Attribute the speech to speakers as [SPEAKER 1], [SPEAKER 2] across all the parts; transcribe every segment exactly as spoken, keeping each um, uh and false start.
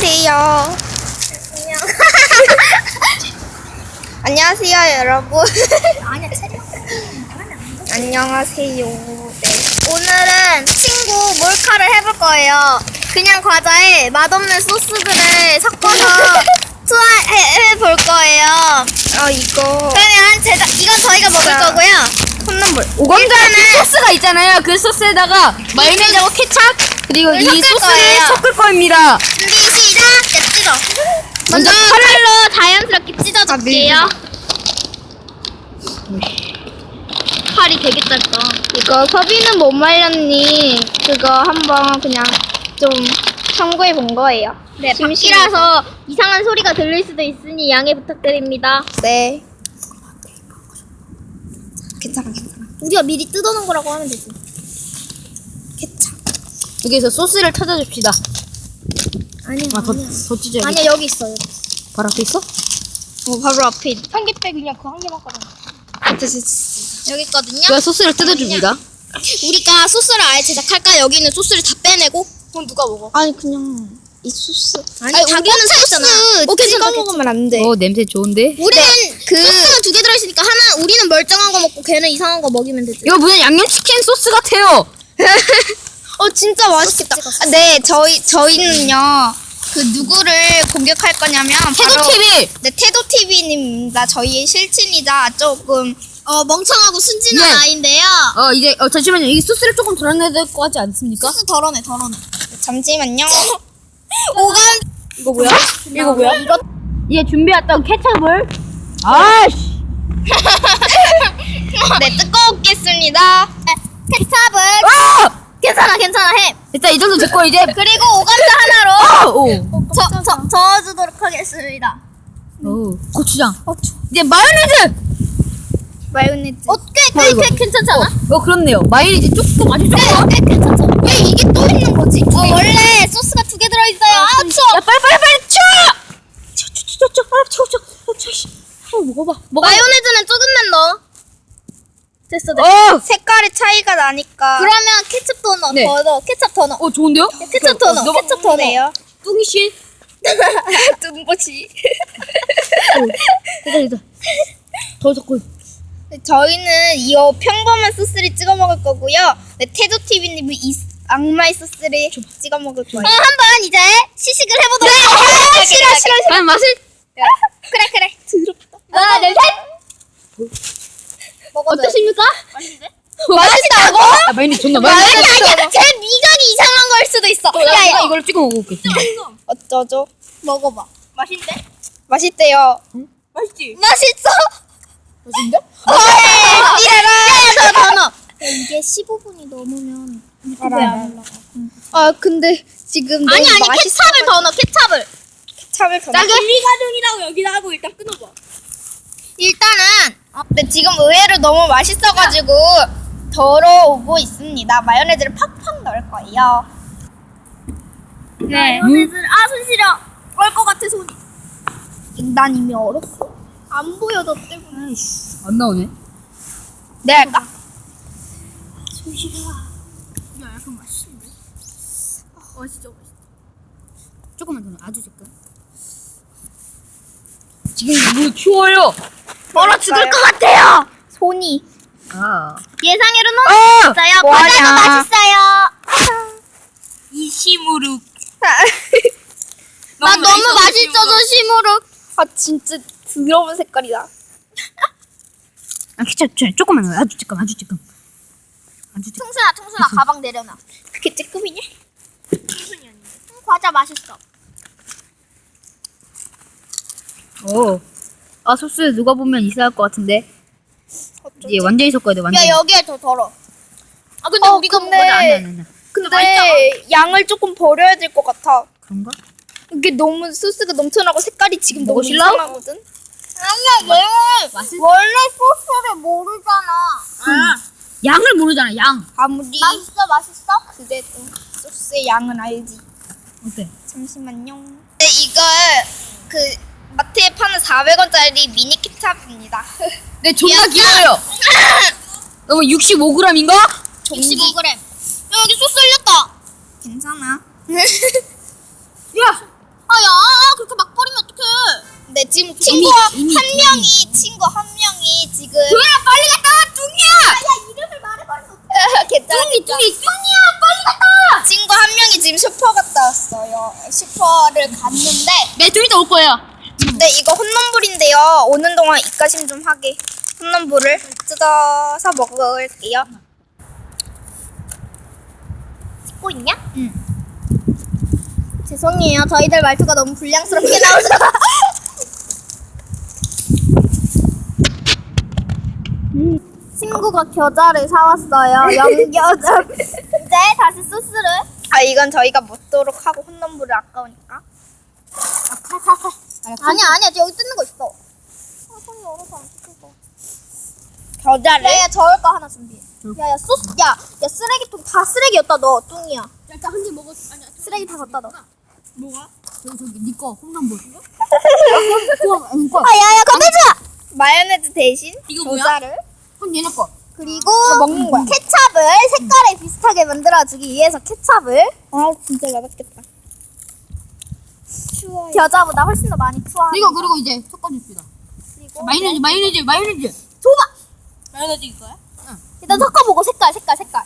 [SPEAKER 1] 안녕하세요.
[SPEAKER 2] 안녕.
[SPEAKER 1] 안녕하세요, 여러분.
[SPEAKER 2] 아니야, 체력.
[SPEAKER 1] 안녕하세요. 네.
[SPEAKER 2] 오늘은 친구 몰카를 해볼 거예요. 그냥 과자에 맛없는 소스들을 섞어서 투하해볼 거예요.
[SPEAKER 1] 어, 이거.
[SPEAKER 2] 그러면 제작, 이건 저희가 먹을
[SPEAKER 1] 자.
[SPEAKER 2] 거고요.
[SPEAKER 1] 콩나물.
[SPEAKER 3] 오감자 그 소스가 있잖아요. 그 소스에다가 마요네즈하고 케찹 그리고
[SPEAKER 2] 을
[SPEAKER 3] 이
[SPEAKER 2] 섞을
[SPEAKER 3] 소스를
[SPEAKER 2] 거예요.
[SPEAKER 3] 섞을 겁니다.
[SPEAKER 2] 준비 시작! 네, 찢어. 먼저
[SPEAKER 3] 먼저
[SPEAKER 2] 칼로 자연스럽게 찢어줄게요. 칼이 되게 짧다.
[SPEAKER 1] 이거 서비는 못 말렸니? 그거 한번 그냥 좀 참고해 본 거예요.
[SPEAKER 2] 네, 밖이라서 이상한 소리가 들릴 수도 있으니 양해 부탁드립니다.
[SPEAKER 1] 네. 괜찮아, 괜찮아.
[SPEAKER 2] 우리가 미리 뜯어놓은 거라고 하면 되지.
[SPEAKER 1] 케찹.
[SPEAKER 3] 여기서 소스를 찾아줍시다.
[SPEAKER 2] 아니야,
[SPEAKER 3] 아, 더,
[SPEAKER 2] 아니야.
[SPEAKER 3] 더 찢어야 돼.
[SPEAKER 2] 아니야, 여기 있어. 여기.
[SPEAKER 3] 바로 앞에 있어?
[SPEAKER 2] 어, 바로 앞에 있 삼겹살 그냥 그 한 개만 꺼내. 여기 있거든요.
[SPEAKER 3] 제가 소스를 뜯어줍니다.
[SPEAKER 2] 우리가 소스를 아예 제작할까? 여기 있는 소스를 다 빼내고. 그럼 누가 먹어?
[SPEAKER 1] 아니, 그냥 이 소스.
[SPEAKER 2] 아니, 자기는 소스잖아. 어,
[SPEAKER 1] 찍어
[SPEAKER 2] 괜찮다,
[SPEAKER 1] 먹으면 안 돼.
[SPEAKER 3] 어, 냄새 좋은데?
[SPEAKER 2] 우리는
[SPEAKER 1] 그-
[SPEAKER 2] 소스가 두 개 들어있으니까 하나 우리는 멀쩡한 거 먹고 걔는 이상한 거 먹이면 되지.
[SPEAKER 3] 이거 무슨 양념치킨 소스 같아요.
[SPEAKER 1] 어, 진짜 맛있겠다.
[SPEAKER 2] 찍었어.
[SPEAKER 1] 아, 네, 저희, 저희는요, 그 누구를 공격할 거냐면, 바로,
[SPEAKER 3] 태도티비!
[SPEAKER 1] 네, 태도티비님입니다. 저희의 실친이자 조금,
[SPEAKER 2] 어, 멍청하고 순진한
[SPEAKER 3] 네.
[SPEAKER 2] 아이인데요.
[SPEAKER 3] 어, 이제, 어, 잠시만요. 이 소스를 조금 덜어내야 될 것 같지 않습니까?
[SPEAKER 2] 소스 덜어내, 덜어내.
[SPEAKER 1] 잠시만요.
[SPEAKER 2] 오감.
[SPEAKER 3] 이거 뭐야? 이거 뭐야? 이거, 얘 준비했던 케찹을. 아이씨!
[SPEAKER 1] 네, 뜯고 오겠습니다.
[SPEAKER 2] 케찹을.
[SPEAKER 3] 아!
[SPEAKER 2] 괜찮아, 괜찮아, 해.
[SPEAKER 3] 일단 이 정도 됐고, 이제.
[SPEAKER 2] 그리고 오감자 하나로
[SPEAKER 3] 아! 오!
[SPEAKER 2] 저, 저, 저어주도록 하겠습니다.
[SPEAKER 3] 오, 고추장.
[SPEAKER 2] 어,
[SPEAKER 3] 이제 마요네즈!
[SPEAKER 1] 마요네즈.
[SPEAKER 2] 어, 꽤,
[SPEAKER 3] 어,
[SPEAKER 2] 꽤,
[SPEAKER 3] 이거.
[SPEAKER 2] 꽤 괜찮지 않아?
[SPEAKER 3] 어, 그렇네요. 마요네즈 조금, 아주 조금.
[SPEAKER 2] 꽤, 꽤 괜찮잖아.
[SPEAKER 1] 왜 이게 또 있는 거지?
[SPEAKER 2] 어, 원래 소스가 두 개 들어있어요. 아, 추워.
[SPEAKER 3] 야, 빨리, 빨리, 빨리, 쳐! 쳐, 쳐, 쳐, 쳐, 쳐, 쳐, 쳐, 쳐, 쳐, 씨. 어, 먹어봐. 먹어.
[SPEAKER 2] 마요네즈는 조금만 넣어. 됐어, 됐어.
[SPEAKER 3] 어!
[SPEAKER 1] 색깔의 차이가 나니까.
[SPEAKER 2] 그러면 케첩 더 넣어.
[SPEAKER 3] 네.
[SPEAKER 2] 더 넣어. 케첩 더 넣어.
[SPEAKER 3] 어, 좋은데요?
[SPEAKER 2] 케첩 더 넣어.
[SPEAKER 3] 넣어봐.
[SPEAKER 2] 케첩 더 넣어.
[SPEAKER 1] 네요.
[SPEAKER 3] 뚱이씨.
[SPEAKER 1] 뚱보지.
[SPEAKER 3] 됐다, 됐다. 더 섞고.
[SPEAKER 1] 저희는 이 평범한 소스를 찍어 먹을 거고요. 네, 태도티비님은 이 악마의 소스를 찍어 먹을 거예요.
[SPEAKER 2] 어, 한번 이제 시식을 해보도록
[SPEAKER 1] 네,
[SPEAKER 2] 하겠습니다.
[SPEAKER 1] 어, 싫어, 싫어,
[SPEAKER 3] 과연 맛을?
[SPEAKER 2] 그래, 그래.
[SPEAKER 1] 더럽다.
[SPEAKER 2] 하나, 둘, 셋. 먹어도
[SPEAKER 3] 어떠십니까?
[SPEAKER 1] 맛있다고?
[SPEAKER 3] 아, 마요네즈 존나
[SPEAKER 2] 아니,
[SPEAKER 3] 마요네즈.
[SPEAKER 2] 아니야. 제 미각이 이상한 걸 수도 있어.
[SPEAKER 3] 어,
[SPEAKER 2] 야,
[SPEAKER 3] 나
[SPEAKER 2] 야,
[SPEAKER 3] 이걸 찍어 먹어볼게.
[SPEAKER 1] 어쩌죠?
[SPEAKER 2] 먹어봐. 맛있대?
[SPEAKER 1] 맛있대요.
[SPEAKER 2] 맛있지? 맛있어?
[SPEAKER 3] 맛있는데?
[SPEAKER 2] 어, 이래라. 더, 더 넣어. 이게 십오 분이 넘으면 유튜브에 안 올라가.
[SPEAKER 1] 아, 근데 지금 너무
[SPEAKER 2] 아니, 아니,
[SPEAKER 1] 맛있어.
[SPEAKER 2] 케찹을 더 넣어, 케찹을.
[SPEAKER 1] 케찹을 더
[SPEAKER 2] 짜게?
[SPEAKER 1] 넣어.
[SPEAKER 2] 분리가정이라고 여기다 하고 일단 끊어봐. 일단은,
[SPEAKER 1] 근데 지금 의외로 너무 맛있어가지고 덜어오고 있습니다. 마요네즈를 팍팍 넣을 거예요. 네.
[SPEAKER 2] 마요네즈를, 아, 손 시려. 올 것 같아, 손이.
[SPEAKER 1] 난 이미 얼었어.
[SPEAKER 2] 안 보여, 너 때문에.
[SPEAKER 3] 안 나오네.
[SPEAKER 1] 내가 할까?
[SPEAKER 2] 손 시려. 야, 약간 맛있는데? 아, 맛있어, 맛있어.
[SPEAKER 3] 조금만 더 넣어. 아주 조금. 지금 물 추워요.
[SPEAKER 2] 얼어 죽을 것 같아요.
[SPEAKER 1] 손이.
[SPEAKER 3] 아.
[SPEAKER 2] 예상외로 너무
[SPEAKER 3] 아!
[SPEAKER 2] 맛있어요.
[SPEAKER 1] 뭐하냐.
[SPEAKER 2] 과자도 맛있어요.
[SPEAKER 3] 이시무룩.
[SPEAKER 2] 나 너무 맛있어서 심으로.
[SPEAKER 1] 아, 진짜 더러운 색깔이다.
[SPEAKER 3] 아, 케찹 조금만 넣어. 아주 조금, 아주 조금. 아주 조금.
[SPEAKER 2] 청순아, 청순아, 가방 내려놔.
[SPEAKER 1] 그게 찌끔이냐?
[SPEAKER 2] 청순이 아닌데. 음, 과자 맛있어.
[SPEAKER 3] 오. 아, 소스 누가 보면 이상할 것 같은데. 이제 완전히 섞어야 돼, 완전히.
[SPEAKER 2] 야, 여기에 더 덜어. 아, 근데
[SPEAKER 1] 어,
[SPEAKER 2] 우리가
[SPEAKER 1] 근데-
[SPEAKER 2] 먹어도
[SPEAKER 3] 아니, 아니, 아니.
[SPEAKER 1] 근데 양을 조금 버려야 될 것 같아.
[SPEAKER 3] 그런가?
[SPEAKER 1] 이게 너무 소스가 넘쳐나고 색깔이 지금 너무
[SPEAKER 3] 먹으실라고?
[SPEAKER 1] 이상하거든?
[SPEAKER 2] 아니야, 얘는
[SPEAKER 3] 맛있-
[SPEAKER 2] 원래 소스를 모르잖아.
[SPEAKER 3] 양을 모르잖아, 양.
[SPEAKER 1] 아무리
[SPEAKER 2] 맛있어, 맛있어?
[SPEAKER 1] 그래도 소스의 양은 알지.
[SPEAKER 3] 어때?
[SPEAKER 1] 잠시만요. 네, 이거 그 마트에 파는 사백 원짜리 미니 케찹입니다.
[SPEAKER 3] 네, 존나 귀여워요. 너무 육십오 그램인가?
[SPEAKER 2] 육십오 그램. 야, 여기 소스 흘렸다.
[SPEAKER 1] 괜찮아.
[SPEAKER 3] 야!
[SPEAKER 2] 아,
[SPEAKER 1] 친구와
[SPEAKER 3] 이미, 이미,
[SPEAKER 1] 한
[SPEAKER 3] 이미.
[SPEAKER 1] 명이 친구 한 명이 지금
[SPEAKER 3] 도현아 빨리 갔다 와 뚱이야.
[SPEAKER 2] 야 이름을 말해버려.
[SPEAKER 1] 괜찮아
[SPEAKER 3] 뚱이
[SPEAKER 1] 괜찮아.
[SPEAKER 3] 뚱이 뚱이야 빨리 갔다 와.
[SPEAKER 1] 친구 한 명이 지금 슈퍼 갔다 왔어요. 슈퍼를 갔는데
[SPEAKER 3] 네 좀 이따 올 거예요.
[SPEAKER 1] 네 이거 혼남불인데요. 오는 동안 입가심 좀 하게 혼남불을 뜯어서 먹을게요.
[SPEAKER 2] 찍고 있냐?
[SPEAKER 1] 응.
[SPEAKER 2] 죄송해요. 저희들 말투가 너무 불량스럽게 나오죠. 친구가 겨자를 사왔어요. 영겨자. 이제 다시 소스를.
[SPEAKER 1] 아 이건 저희가 먹도록 하고 혼남불을 아까우니까.
[SPEAKER 2] 아니야 아니야 여기 뜯는 거 있어. 아 손이 얼어서 안 뜯어.
[SPEAKER 1] 겨자를
[SPEAKER 2] 야야 저을 거 하나 준비해. 야야 소스 야야 쓰레기통 다 쓰레기였다 너 뚱이야.
[SPEAKER 3] 일단 한 입 먹었. 아니야.
[SPEAKER 2] 쓰레기 다 갖다 넣어.
[SPEAKER 3] 뭐가? 저기 저기 니꺼 홈런볼. 그거 이거.
[SPEAKER 2] 아 야야 건들지 마.
[SPEAKER 1] 마요네즈 대신
[SPEAKER 3] 이거 뭐야?
[SPEAKER 1] 겨자를
[SPEAKER 3] 그럼 얘네 거.
[SPEAKER 2] 그리고
[SPEAKER 1] 먹는 거야.
[SPEAKER 2] 케찹을 색깔에 비슷하게 만들어주기 위해서 케찹을
[SPEAKER 1] 아 진짜 맛있겠다. 추워요.
[SPEAKER 2] 겨자보다 훨씬 더 많이 투하.
[SPEAKER 3] 이거 그리고 이제 섞어줍시다.
[SPEAKER 2] 그리고
[SPEAKER 3] 마요네즈 마요네즈 마요네즈.
[SPEAKER 2] 줘봐.
[SPEAKER 3] 마요네즈 이거야? 응.
[SPEAKER 2] 일단 섞어보고 색깔 색깔 색깔.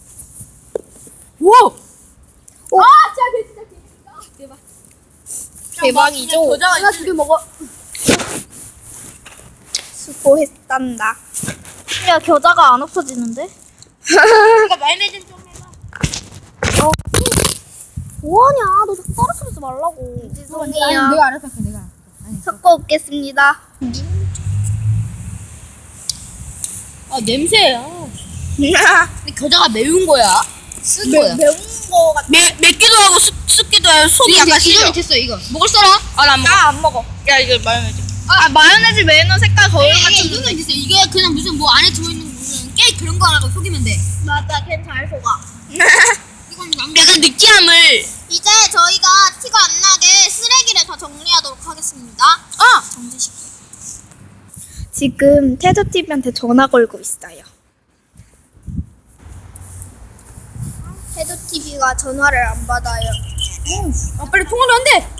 [SPEAKER 3] 오.
[SPEAKER 2] 아 진짜 진짜 대박.
[SPEAKER 1] 대박이죠.
[SPEAKER 3] 겨자가
[SPEAKER 2] 하나 두 개 먹어.
[SPEAKER 1] 수고했단다.
[SPEAKER 2] 야 겨자가 안 없어지는데?
[SPEAKER 3] 이거 마요네즈 좀 해봐.
[SPEAKER 2] 뭐하냐? 너 자꾸 떨어뜨리지 말라고.
[SPEAKER 1] 죄송해요.
[SPEAKER 3] 내가 알아서 할게 내가. 아니.
[SPEAKER 1] 섞어 오겠습니다.
[SPEAKER 3] 아 냄새야. 근데 겨자가 매운 거야? 쓴 거야?
[SPEAKER 1] 매운 거 같아.
[SPEAKER 3] 매 맵기도 하고 습 습기도 하고 속이 약간 시죠. 이거는 됐어 이거. 먹을 사람? 아나안 먹어.
[SPEAKER 1] 나안 먹어.
[SPEAKER 3] 야 이거 마요네즈.
[SPEAKER 1] 아, 마요네즈 매너 색깔 거울
[SPEAKER 3] 이게
[SPEAKER 1] 같은
[SPEAKER 3] 이거는 됐어. 이게 그냥 무슨 뭐 안에 들어있는 무슨 깨 그런 거 하라고 속이면 돼.
[SPEAKER 2] 맞아, 걘 잘 속아.
[SPEAKER 3] 이건 약간 느끼함을.
[SPEAKER 2] 이제 저희가 티가 안 나게 쓰레기를 다 정리하도록 하겠습니다.
[SPEAKER 3] 아.
[SPEAKER 2] 정지시켜.
[SPEAKER 1] 지금 태조티비한테 전화 걸고 있어요.
[SPEAKER 2] 태도 티비가 전화를 안 받아요.
[SPEAKER 3] 아 빨리 통화를 안 돼.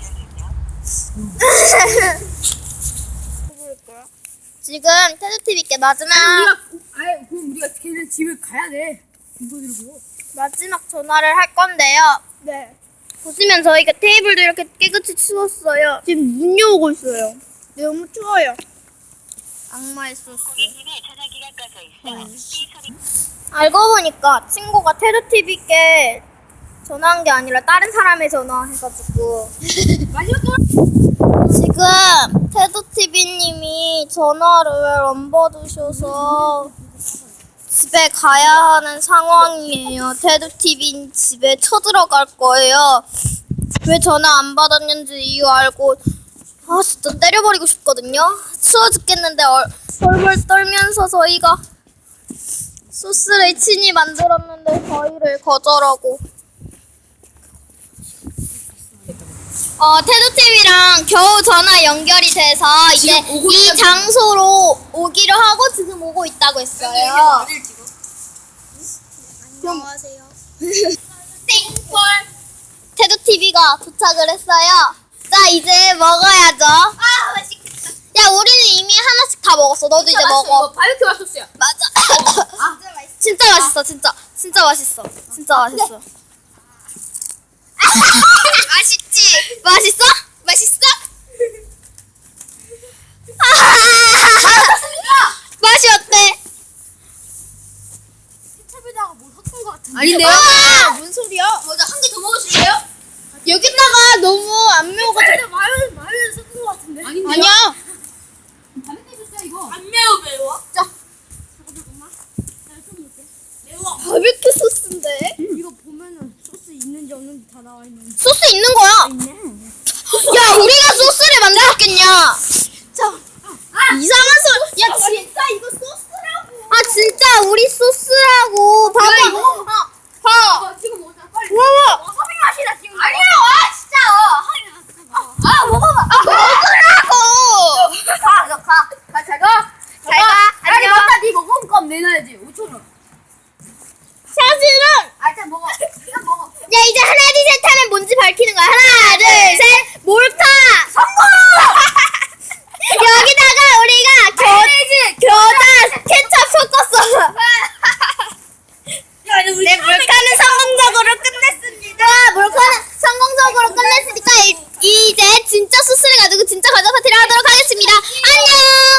[SPEAKER 2] 지금 태도 티비께 마지막
[SPEAKER 3] 우리가 아예 그럼 우리가 걔네 집에 가야 돼. 이거 들고.
[SPEAKER 2] 마지막 전화를 할 건데요.
[SPEAKER 1] 네.
[SPEAKER 2] 보시면 저희가 테이블도 이렇게 깨끗이 치웠어요.
[SPEAKER 1] 지금 눈이 오고 있어요. 너무 추워요.
[SPEAKER 2] 악마의 소스. 음. 알고 보니까 친구가 태도 티비께 전화한 게 아니라 다른 사람의 전화해가지고
[SPEAKER 3] 마지막 통화.
[SPEAKER 2] 지금 태도 티비님이 전화를 안 받으셔서 집에 가야 하는 상황이에요. 태도 티비 집에 쳐들어갈 거예요. 왜 전화 안 받았는지 이유 알고 아 진짜 때려버리고 싶거든요. 추워 죽겠는데 얼, 벌벌 떨면서 저희가 소스를 친히 만들었는데 저희를 거절하고 어, 태도팀이랑 겨우 전화 연결이 돼서 이제
[SPEAKER 3] 지금 오고
[SPEAKER 2] 이
[SPEAKER 3] 있다고.
[SPEAKER 2] 장소로 오기로 하고 지금 오고 있다고 했어요. 안녕하세요. 땡볼. 태도티비가 도착을 했어요. 자, 이제 먹어야죠. 아, 맛있겠다. 야, 우리는 이미 하나씩 다 먹었어. 너도 이제 먹어.
[SPEAKER 3] 바베큐 맛소스야.
[SPEAKER 2] 맞아. 진짜 맛있어, 진짜. 진짜 맛있어. 진짜 맛있어. 맛있지? 맛있어? 맛있어? 맛이 어때?
[SPEAKER 3] 케찹에다가 뭐 섞은 거 같은데.
[SPEAKER 2] 아닌데요?
[SPEAKER 1] 아, 뭔 소리야?
[SPEAKER 3] 맞아 한 개 더 먹으실래요?
[SPEAKER 1] 여기다가 너무 안 매워가지고.
[SPEAKER 3] 마요네즈 마요네즈 섞은 거 같은데. 아닌데요?
[SPEAKER 1] 아니야.
[SPEAKER 3] 바베큐 소스야 이거. 안 매워 매워? 자. 잠깐만. 나좀 먹게. 매워.
[SPEAKER 1] 바베큐 소스인데?
[SPEAKER 3] 이거 보면은 소스 있는지 없는지 다 나와 있는.
[SPEAKER 2] 소스 있는 거야.
[SPEAKER 3] 있네.
[SPEAKER 1] 네, 몰카는 성공적으로 끝냈습니다.
[SPEAKER 2] 와, 몰카는 성공적으로 끝냈습니다.